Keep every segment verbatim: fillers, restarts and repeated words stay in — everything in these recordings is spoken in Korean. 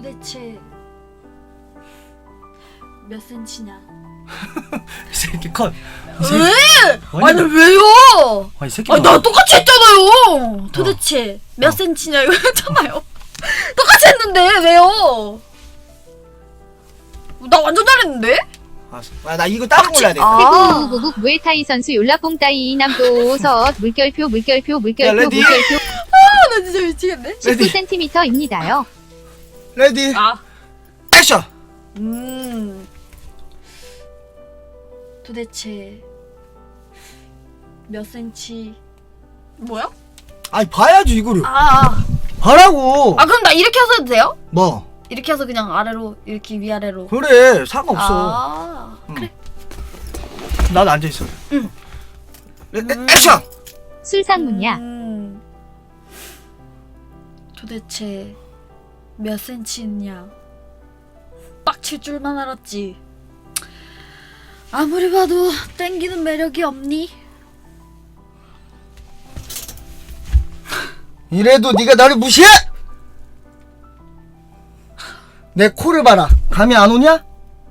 도대체 몇 센치냐? 이 새끼 컷. 이 새끼. 왜? 아니 왜요? 아, 이 새끼. 아니 나 똑같이 했잖아요. 도대체 어. 몇 어. 센치냐 이거 했잖아요. 똑같이 했는데 왜요? 나 완전 잘했는데? 아, 나 이거 따로 골라야 돼. 아. 태국 무에타이 선수 yor라뽕 따이 이남도 서 물결표 물결표 야, 물결표 레디. 물결표 아, 나 진짜 미치겠네. 레디. 십구 센티미터입니다요. 레디. 아, 액션. 음. 도대체 몇 센치? 뭐야? 아니 봐야지 이거를. 아, 아, 봐라고. 아 그럼 나 이렇게 해서 해도 돼요? 뭐? 이렇게 해서 그냥 아래로 이렇게 위아래로. 그래 상관없어. 아, 응. 그래. 나도 앉아 있어. 응. 레, 레, 음. 액션. 술상무냐? 음. 도대체 몇 센치냐? 빡칠 줄만 알았지. 아무리 봐도 땡기는 매력이 없니? 이래도 네가 나를 무시해? 내 코를 봐라. 감이 안 오냐?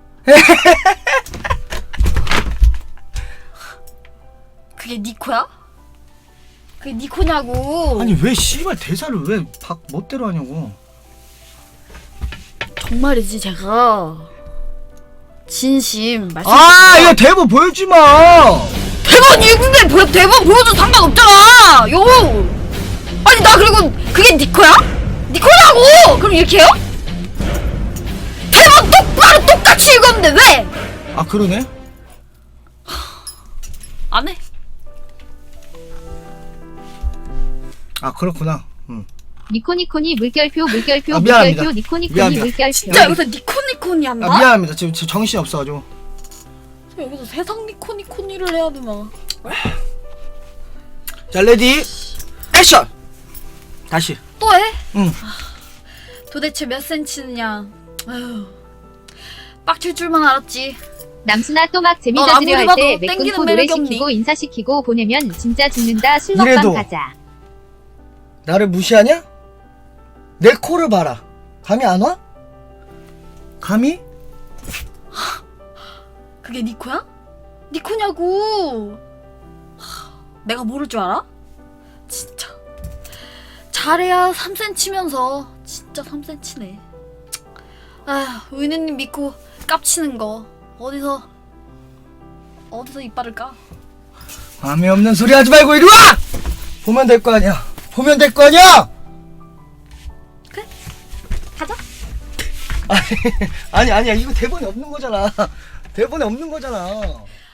그게 니 코야? 그게 니 코냐고. 아니 왜 씨발 대사를 왜 박 멋대로 하냐고. 정말이지 제가 진심 말씀. 아 이거 대본 보여주지 마. 대본 이근데 보 대본 보여줘도 상관없잖아. 요. 아니 나 그리고 그게 니 코야? 니 코냐고. 그럼 이렇게 해요? 대본 똑바로 똑같이 읽었는데 왜? 아 그러네. 안 해. 아 그렇구나. 응. 니코니코니 물결표 물결표 아, 미안합니다. 물결표 니코니코니 미안합니다. 물결표 진짜 여기서 니코니코니 한다? 아 미안합니다. 지금 저 정신이 없어가지고. 여기서 세상 니코니코니를 해야 되나? 자 레디 액션. 다시. 또 해? 응. 도대체 몇 센치냐? 아휴, 빡칠 줄만 알았지. 남순아 또 막 넌 재미져드려 아무리 할 봐도 때 땡기는 매끈코 노래 매력이 없니? 시키고 인사시키고 보내면 진짜 죽는다. 술 이래도. 먹방 가자. 나를 무시하냐? 내 코를 봐라. 감이 안 와? 감이? 그게 니 코야? 니 코냐고. 하, 내가 모를 줄 알아? 진짜 잘해야 삼 센치면서 진짜 삼 센치네. 아휴, 의느님 믿고 깝치는 거 어디서 어디서 이빨을 까? 감이 없는 소리 하지 말고 이리 와! 보면 될 거 아니야. 보면 될 거 아니야! 그래? 가자. 아니, 아니, 아니야. 이거 대본에 없는 거잖아. 대본에 없는 거잖아.